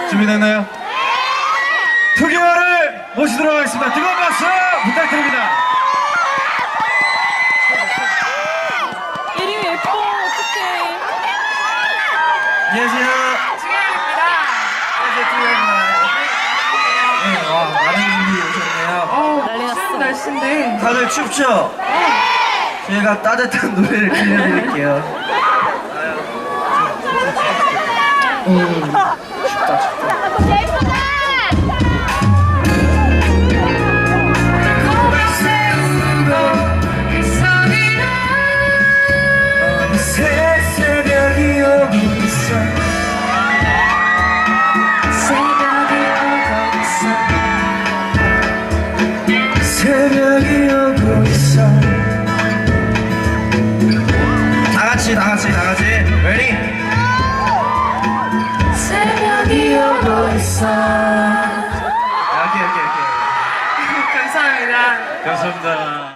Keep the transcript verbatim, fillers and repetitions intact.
준비됐나요? 투기화를 모시도록 하겠습니다. 뜨거운 박수 부탁드립니다. 예림이 예뻐. 어떡해. 안녕하세요. 중현입니다. 안녕하세요. 투기화입니다. 네, 와, 많은 분들이 오셨네요. 어, 난리 났어. 날씨인데. 다들 춥죠? 저희가 따뜻한 노래를 들려드릴게요. 음, 춥다, 춥다. 어느새 새벽이 오고 있어. 새벽이 오고 있어. 새벽이 오고 있어. 다 같이, 다 같이, 다 같이. Ready? 새벽이 오고 있어. 오케이, 오케이, 오케이. 감사합니다. 감사합니다.